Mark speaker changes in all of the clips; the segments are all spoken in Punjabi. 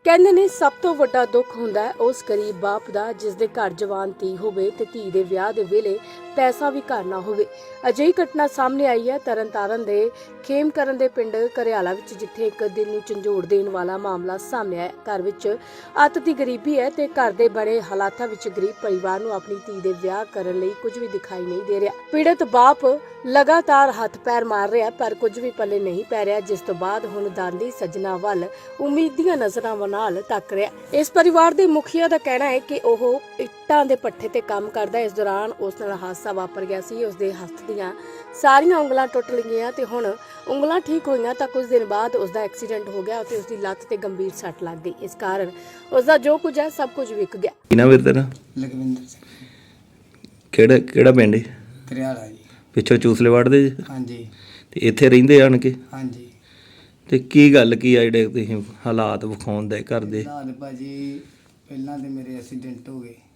Speaker 1: ਕਹਿੰਦੇ ਨੇ ਸਭ ਤੋਂ ਵੱਡਾ ਦੁੱਖ ਹੁੰਦਾ ਹੈ ਉਸ ਗਰੀਬ ਬਾਪ ਦਾ ਜਿਸ ਦੇ ਘਰ ਜਵਾਨ ਧੀ ਹੋਵੇ ਤੇ ਧੀ ਦੇ ਵਿਆਹ ਦੇ ਵੇਲੇ ਪੈਸਾ ਵੀ ਘਰ ਨਾ ਹੋਵੇ। ਅਜਿਹੀ ਘਟਨਾ ਸਾਹਮਣੇ ਆਈ ਹੈ ਤਰਨਤਾਰਨ ਦੇ ਖੇਮਕਰਨ ਦੇ ਪਿੰਡ ਘਰਿਆਲਾ ਵਿੱਚ, ਜਿੱਥੇ ਇੱਕ ਦਿਲ ਨੂੰ ਝੰਜੋੜ ਦੇਣ ਵਾਲਾ ਮਾਮਲਾ ਸਾਹਮਣੇ ਆਇਆ। ਘਰ ਵਿੱਚ ਅੱਤ ਦੀ ਗਰੀਬੀ ਹੈ ਤੇ ਘਰ ਦੇ ਬੜੇ ਹਾਲਾਤਾਂ ਵਿੱਚ ਗਰੀਬ ਪਰਿਵਾਰ ਨੂੰ ਆਪਣੀ ਧੀ ਦੇ ਵਿਆਹ ਕਰਨ ਲਈ ਕੁਝ ਵੀ ਦਿਖਾਈ ਨਹੀਂ ਦੇ ਰਿਹਾ। ਪੀੜਤ ਬਾਪ ਲਗਾਤਾਰ ਹੱਥ ਪੈਰ ਮਾਰ ਰਿਹਾ ਪਰ ਕੁਝ ਵੀ ਪੱਲੇ ਨਹੀਂ ਪੈ ਰਿਹਾ, ਜਿਸ ਤੋਂ ਬਾਅਦ ਹੁਣ ਦਾਨੀ ਸੱਜਣਾ ਵੱਲ ਉਮੀਦੀਆਂ ਨਜ਼ਰਾਂ ਨਾਲ ਤੱਕ ਰਿਹਾ। ਇਸ ਪਰਿਵਾਰ ਦੇ ਮੁਖੀਆ ਦਾ ਕਹਿਣਾ ਹੈ ਕਿ ਉਹ ਇੱਟਾਂ ਦੇ ਪੱਠੇ ਤੇ ਕੰਮ ਕਰਦਾ। ਇਸ ਦੌਰਾਨ ਉਸ ਨਾਲ ਹਾਦਸਾ ਵਾਪਰ ਗਿਆ ਸੀ। ਉਸ ਦੇ ਹੱਥ ਦੀਆਂ ਸਾਰੀਆਂ ਉਂਗਲਾਂ ਟੁੱਟ ਗਈਆਂ ਤੇ ਹੁਣ ਉਂਗਲਾਂ ਠੀਕ ਹੋਈਆਂ ਤਾਂ ਕੁਝ ਦਿਨ ਬਾਅਦ ਉਸ ਦਾ ਐਕਸੀਡੈਂਟ ਹੋ ਗਿਆ ਤੇ ਉਸ ਦੀ ਲੱਤ ਤੇ ਗੰਭੀਰ ਸੱਟ ਲੱਗ ਗਈ। ਇਸ ਕਾਰਨ ਉਸ ਦਾ ਜੋ ਕੁਝ ਹੈ ਸਭ ਕੁਝ ਵਿਕ ਗਿਆ।
Speaker 2: ਕਿਹਨਾਂ ਵੀਰ ਤੇਰਾ?
Speaker 3: ਲਖਵਿੰਦਰ ਸਿੰਘ।
Speaker 2: ਕਿਹੜਾ ਪਿੰਡ ਹੈ?
Speaker 3: ਘਰਿਆਲਾ ਜੀ।
Speaker 2: ਪਿੱਛੋਂ ਚੂਸਲੇ ਵੜਦੇ ਜੀ?
Speaker 3: ਹਾਂਜੀ।
Speaker 2: ਤੇ ਇੱਥੇ ਰਹਿੰਦੇ ਆਣ ਕੇ?
Speaker 3: ਹਾਂਜੀ।
Speaker 2: ਤੇ ਕੀ ਗੱਲ ਕੀ ਆ ਜਿਹੜੇ ਤੁਸੀਂ ਹਾਲਾਤ ਵਿਖਾਉਂਦੇ ਘਰ ਦੇ?
Speaker 3: ਹਾਲਾਤ ਭਾਜੀ ਪਹਿਲਾਂ ਤੇ ਮੇਰੇ ਐਕਸੀਡੈਂਟ ਹੋ ਗਏ।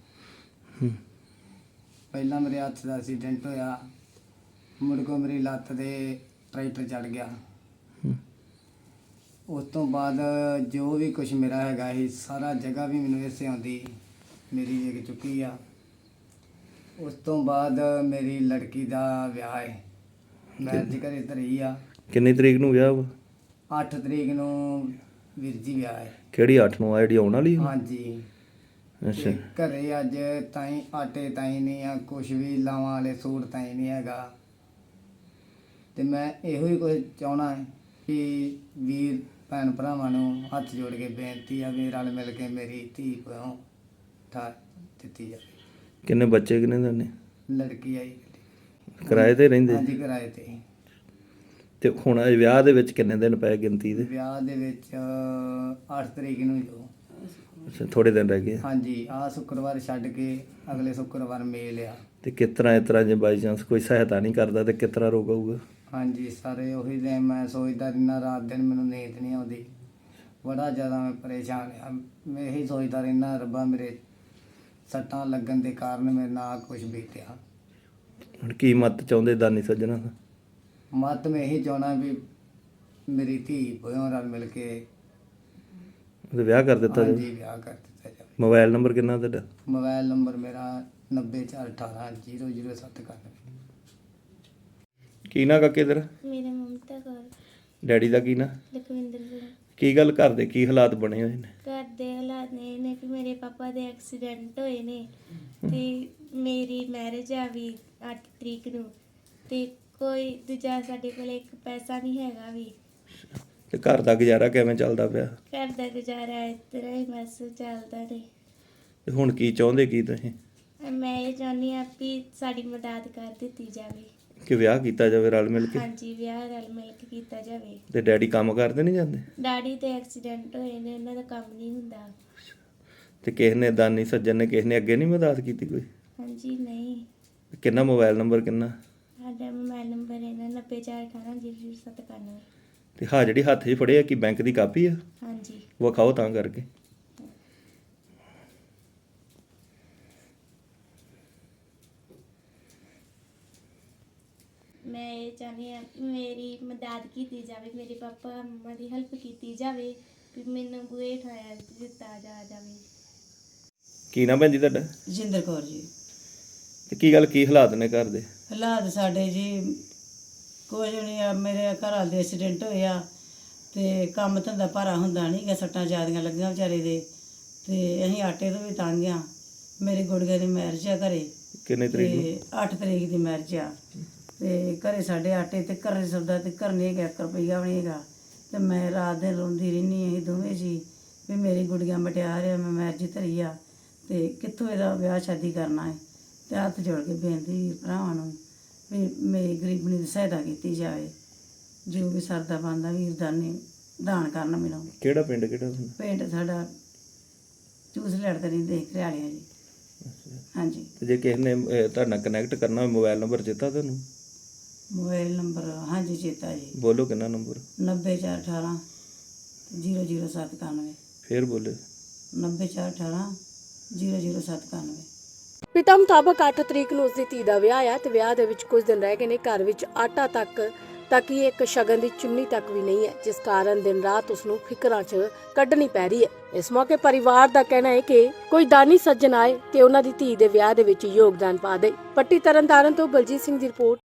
Speaker 3: ਪਹਿਲਾਂ ਮੇਰੇ ਹੱਥ ਦਾ ਐਕਸੀਡੈਂਟ ਹੋਇਆ, ਮੁੜ ਕੇ ਮੇਰੀ ਲੱਤ ਤੇ ਟਰੈਕਟਰ ਚੜ ਗਿਆ। ਉਸ ਤੋਂ ਬਾਅਦ ਜੋ ਵੀ ਕੁਝ ਮੇਰਾ ਹੈਗਾ ਸੀ ਸਾਰਾ ਜਗ੍ਹਾ ਵੀ ਮੈਨੂੰ ਇਸੇ ਆਉਂਦੀ ਮੇਰੀ ਵਿਕ ਚੁੱਕੀ ਆ। ਉਸ ਤੋਂ ਬਾਅਦ ਮੇਰੀ ਲੜਕੀ ਦਾ ਵਿਆਹ ਹੈ, ਮੈਰਿਜ ਘਰੇ ਧਰੀ ਆ।
Speaker 2: ਕਿੰਨੀ ਤਰੀਕ ਨੂੰ ਵਿਆਹ ਵਾ?
Speaker 3: 8 ਤਰੀਕ ਨੂੰ ਵੀਰ ਜੀ ਵਿਆਹ ਹੈ।
Speaker 2: ਕਿਹੜੀ 8 ਨੂੰ ਆ ਜਿਹੜੀ ਆਉਣ ਵਾਲੀ?
Speaker 3: ਹਾਂਜੀ।
Speaker 2: ਅੱਛਾ।
Speaker 3: ਤੇ ਘਰੇ ਅੱਜ ਤਾਈਂ ਆਟੇ ਤਾਈਂ ਨਹੀਂ ਆ, ਕੁਛ ਵੀ ਲਾਵਾਂ ਵਾਲੇ ਸੂਟ ਤਾਈਂ ਨਹੀਂ ਹੈਗਾ। ਤੇ ਮੈਂ ਇਹੋ ਹੀ ਕੁਝ ਚਾਹਣਾ ਹੈ ਕਿ ਵੀਰ ਭੈਣ ਭਰਾਵਾਂ ਨੂੰ ਹੱਥ ਜੋੜ ਕੇ ਬੇਨਤੀ ਆ ਵੀ ਰਲ ਮਿਲ ਕੇ ਮੇਰੀ ਧੀ ਕੋਲੋਂ ਠਾ ਦਿੱਤੀ ਜਾਵੇ।
Speaker 2: ਕਿੰਨੇ ਬੱਚੇ ਕਿੰਨੇ ਦਾ ਨੇ?
Speaker 3: ਲੜਕੀ ਆਈ।
Speaker 2: ਕਿਰਾਏ ਤੇ ਰਹਿੰਦੇ?
Speaker 3: ਹਾਂਜੀ, ਕਿਰਾਏ ਤੇ।
Speaker 2: ਤੇ ਹੁਣ ਇਹ ਵਿਆਹ ਦੇ ਵਿੱਚ ਕਿੰਨੇ ਦਿਨ ਪਏ ਗਿਣਤੀ ਦੇ?
Speaker 3: ਵਿਆਹ ਦੇ ਵਿੱਚ 8 ਤਰੀਕ ਨੂੰ ਜੋ।
Speaker 2: ਅੱਛਾ, ਥੋੜੇ ਦਿਨ ਰਹਿ ਗਏ।
Speaker 3: ਹਾਂਜੀ, ਆਹ ਸ਼ੁੱਕਰਵਾਰ ਛੱਡ ਕੇ ਅਗਲੇ ਸ਼ੁੱਕਰਵਾਰ ਮੇਲ ਆ।
Speaker 2: ਤੇ ਇਸ ਤਰ੍ਹਾਂ ਜੇ ਬਾਈ ਚਾਂਸ ਕੋਈ ਸਹਾਇਤਾ ਨਹੀਂ ਕਰਦਾ ਤੇ ਕਿਸ ਤਰ੍ਹਾਂ ਰੋਕ ਆਊਗਾ?
Speaker 3: ਹਾਂਜੀ, ਸਾਰੇ ਉਹੀ ਦੇ ਮੈਂ ਸੋਚਦਾ ਰਹਿੰਦਾ, ਰਾਤ ਦਿਨ ਮੈਨੂੰ ਨੀਂਦ ਨਹੀਂ ਆਉਂਦੀ, ਬੜਾ ਜ਼ਿਆਦਾ ਮੈਂ ਪਰੇਸ਼ਾਨ ਆ। ਮੈਂ ਇਹੀ ਸੋਚਦਾ ਰਹਿੰਦਾ ਰੱਬਾ ਮੇਰੇ ਸੱਟਾਂ ਲੱਗਣ ਦੇ ਕਾਰਨ ਮੇਰੇ ਨਾਲ ਕੁਝ ਬੀਤਿਆ।
Speaker 2: ਹੁਣ ਕੀ ਮਤ ਚਾਹੁੰਦੇ ਦਾਨੀ ਸੱਜਣਾ ਦਾ?
Speaker 3: ਮਤ ਮੈਂ ਇਹੀ ਚਾਹੁੰਦਾ ਵੀ ਮੇਰੀ ਧੀ ਭੋਇਓ ਰਲ ਮਿਲ ਕੇ
Speaker 2: ਉਹਦਾ ਵਿਆਹ ਕਰ ਦਿੱਤਾ ਜਾਵੇ।
Speaker 3: ਹਾਂਜੀ, ਵਿਆਹ ਕਰ ਦਿੱਤਾ ਜਾਵੇ।
Speaker 2: ਮੋਬਾਈਲ ਨੰਬਰ ਕਿੰਨਾ ਤੁਹਾਡਾ?
Speaker 3: ਮੋਬਾਈਲ ਨੰਬਰ ਮੇਰਾ 9418000791।
Speaker 2: ਕੀ ਨਾਂ ਕਾਕੇ ਤੇਰਾ?
Speaker 4: ਮੇਰਾ ਮਮਤਾ ਕੌਰ।
Speaker 2: ਡੈਡੀ ਦਾ ਕੀ ਨਾਂ?
Speaker 4: ਲਖਵਿੰਦਰ ਸਿੰਘ।
Speaker 2: ਕੀ ਗੱਲ ਘਰ ਦੇ ਕੀ ਹਾਲਾਤ ਬਣੇ ਹੋਏ ਨੇ?
Speaker 4: ਘਰ ਦੇ ਹਾਲਾਤ ਨੇ ਨੇ ਕਿ ਮੇਰੇ ਪਾਪਾ ਦੇ ਐਕਸੀਡੈਂਟ ਹੋਏ ਨੇ ਤੇ ਮੇਰੀ ਮੈਰਿਜ ਆ ਵੀ 8 ਤਰੀਕ ਨੂੰ ਤੇ ਕੋਈ ਦੂਜਾ ਸਾਡੇ ਕੋਲ ਇੱਕ ਪੈਸਾ ਨਹੀਂ ਹੈਗਾ ਵੀ।
Speaker 2: ਤੇ ਘਰ ਦਾ ਗੁਜ਼ਾਰਾ ਕਿਵੇਂ ਚੱਲਦਾ ਪਿਆ?
Speaker 4: ਘਰ ਦਾ ਗੁਜ਼ਾਰਾ ਇਸ ਤਰ੍ਹਾਂ ਹੀ ਬਸ ਚੱਲਦਾ ਨੇ।
Speaker 2: ਤੇ ਹੁਣ ਕੀ ਚਾਹੁੰਦੇ ਕੀ ਤੁਸੀਂ?
Speaker 4: ਮੈਂ ਇਹ ਚਾਹੁੰਦੀ ਹਾਂ ਵੀ ਸਾਡੀ ਮਦਦ ਕਰ ਦਿੱਤੀ ਜਾਵੇ
Speaker 2: ਕਿ ਵਿਆਹ ਕੀਤਾ ਜਾਵੇ ਰਲ ਮਿਲ ਕੇ?
Speaker 4: ਹਾਂਜੀ, ਵਿਆਹ ਰਲ ਮਿਲ ਕੇ ਕੀਤਾ ਜਾਵੇ।
Speaker 2: ਤੇ ਡੈਡੀ ਕੰਮ ਕਰਦੇ ਨਹੀਂ ਜਾਂਦੇ?
Speaker 4: ਡੈਡੀ ਤੇ ਐਕਸੀਡੈਂਟ ਹੋਏ ਨੇ, ਉਹਨਾਂ ਦਾ ਕੰਮ ਨਹੀਂ ਹੁੰਦਾ।
Speaker 2: ਤੇ ਕਿਸੇ ਨੇ ਦਾਨੀ ਸੱਜਣ ਨੇ ਕਿਸੇ ਨੇ ਅੱਗੇ ਨਹੀਂ ਮਦਦ ਕੀਤੀ ਕੋਈ?
Speaker 4: ਹਾਂਜੀ, ਨਹੀਂ।
Speaker 2: ਕਿੰਨਾ ਮੋਬਾਈਲ ਨੰਬਰ ਕਿੰਨਾ?
Speaker 4: ਸਾਡਾ ਮੋਬਾਈਲ ਨੰਬਰ ਹੈ 9418000791।
Speaker 2: ਤੇ ਹਾਂ ਜਿਹੜੀ ਹੱਥ 'ਚ ਫੜਿਆ ਕੀ ਬੈਂਕ ਦੀ ਕਾਪੀ ਆ?
Speaker 4: ਹਾਂਜੀ।
Speaker 2: ਵਿਖਾਓ ਤਾਂ ਕਰਕੇ।
Speaker 4: ਮੈਂ ਇਹ ਚਾਹੁੰਦੀ ਹਾਂ ਕਿ ਮੇਰੀ ਮਦਦ ਕੀਤੀ ਜਾਵੇ, ਮੇਰੇ ਪਾਪਾ ਮੰਮਾ ਦੀ ਹੈਲਪ ਕੀਤੀ ਜਾਵੇ ਵੀ ਮੈਨੂੰ ਬੂਹੇ ਠਾਇਆ ਦਿੱਤਾ ਜਾਵੇ।
Speaker 2: ਕੀ ਨਾ ਭੈਣ ਜੀ ਤੁਹਾਡਾ?
Speaker 5: ਜਿੰਦਰ ਕੌਰ ਜੀ।
Speaker 2: ਤੇ ਕੀ ਗੱਲ ਕੀ ਹਾਲਾਤ ਨੇ ਘਰ ਦੇ?
Speaker 5: ਹਾਲਾਤ ਸਾਡੇ ਜੀ ਕੁਝ ਨਹੀਂ ਆ। ਮੇਰੇ ਘਰ ਵਾਲੇ ਦੇ ਐਕਸੀਡੈਂਟ ਹੋਇਆ ਤੇ ਕੰਮ ਧੰਦਾ ਭਾਰਾ ਹੁੰਦਾ ਨਹੀਂ ਗਾ, ਸੱਟਾਂ ਜ਼ਿਆਦੀਆਂ ਲੱਗੀਆਂ ਵਿਚਾਰੇ ਦੇ ਤੇ ਅਸੀਂ ਆਟੇ ਤੋਂ ਵੀ ਤੰਗ ਆ। ਮੇਰੇ ਗੁੜਗੇ ਦੀ ਮੈਰਿਜ ਆ ਘਰੇ।
Speaker 2: ਕਿੰਨੇ ਤਰੀਕ ਨੂੰ?
Speaker 5: ਤੇ 8 ਤਰੀਕ ਦੀ ਮੈਰਿਜ ਆ ਤੇ ਘਰੇ ਸਾਡੇ ਆਟੇ ਤੇ ਘਰੇ ਸੌਦਾ ਤੇ ਘਰ ਨਹੀਂ ਹੈਗਾ, 1 ਰੁਪਈਆ ਵੀ ਨਹੀਂ ਹੈਗਾ। ਤੇ ਮੈਂ ਰਾਤ ਦਿਨ ਰੋਂਦੀ ਰਹਿੰਦੀ, ਅਸੀਂ ਦੋਵੇਂ ਜੀ ਵੀ ਮੇਰੀ ਗੁੜੀਆਂ ਮਟਿਆਰ ਆ, ਮੈਂ ਮੈਰਿਜ ਧਰੀ ਆ ਤੇ ਕਿੱਥੋਂ ਇਹਦਾ ਵਿਆਹ ਸ਼ਾਦੀ ਕਰਨਾ ਹੈ। ਤੇ ਹੱਥ ਜੋੜ ਕੇ ਬੇਨਤੀ ਵੀਰ ਭਰਾਵਾਂ ਨੂੰ ਵੀ ਮੇਰੀ ਗਰੀਬਣੀ ਦੀ ਸਹਾਇਤਾ ਕੀਤੀ ਜਾਵੇ। ਜੋ ਵੀ ਸਰਦਾ ਬਣਦਾ ਵੀਰ ਦਾਨ ਕਰਨ ਮੈਨੂੰ।
Speaker 2: ਕਿਹੜਾ ਪਿੰਡ ਕਿਹੜਾ?
Speaker 5: ਪਿੰਡ ਸਾਡਾ ਚੂਸ ਲੜਦੇ ਰਹਿੰਦੇ ਘਰਿਆਲਿਆਂ ਜੀ। ਹਾਂਜੀ।
Speaker 2: ਤੇ ਜੇ ਕਿਸੇ ਨੇ ਤੁਹਾਡੇ ਨਾਲ ਕਨੈਕਟ ਕਰਨਾ ਹੋਵੇ ਮੋਬਾਈਲ ਨੰਬਰ ਚੇਤਾ ਤੁਹਾਨੂੰ?
Speaker 5: ਮੋਬਾਈਲ ਨੰਬਰ ਹਾਂਜੀ ਚੇਤਾ ਜੀ।
Speaker 2: ਬੋਲੋ ਕਿੰਨਾ ਨੰਬਰ?
Speaker 5: 9418000791।
Speaker 2: ਫੇਰ ਬੋਲੇ।
Speaker 5: 9418000791।
Speaker 1: ਪਿਤਾ ਮੁਤਾਬਕ 8 ਤਰੀਕ ਨੂੰ ਉਸ ਦੀ ਧੀ ਦਾ ਵਿਆਹ ਆ ਤੇ ਵਿਆਹ ਦੇ ਵਿੱਚ ਕੁਝ ਦਿਨ ਰਹਿ ਗਏ ਨੇ। ਘਰ ਵਿੱਚ ਆਟਾ ਤੱਕ ਤਾਂ ਕਿ ਇੱਕ ਸ਼ਗਨ ਦੀ ਚੁੰਨੀ ਤੱਕ ਵੀ ਨਹੀਂ ਹੈ, ਜਿਸ ਕਾਰਨ ਦਿਨ ਰਾਤ ਉਸ ਨੂੰ ਫਿਕਰਾਂ 'ਚ ਕੱਢਣੀ ਪੈ ਰਹੀ ਹੈ। ਇਸ ਮੌਕੇ ਪਰਿਵਾਰ ਦਾ ਕਹਿਣਾ ਹੈ ਕਿ ਕੋਈ ਦਾਨੀ ਸੱਜਣ ਆਏ ਤੇ ਉਹਨਾਂ ਦੀ ਧੀ ਦੇ ਵਿਆਹ ਦੇ ਵਿੱਚ ਯੋਗਦਾਨ ਪਾ ਦੇ। ਪੱਟੀ ਤਰਨਤਾਰਨ ਤੋਂ ਬਲਜੀਤ ਸਿੰਘ ਦੀ ਰਿਪੋਰਟ।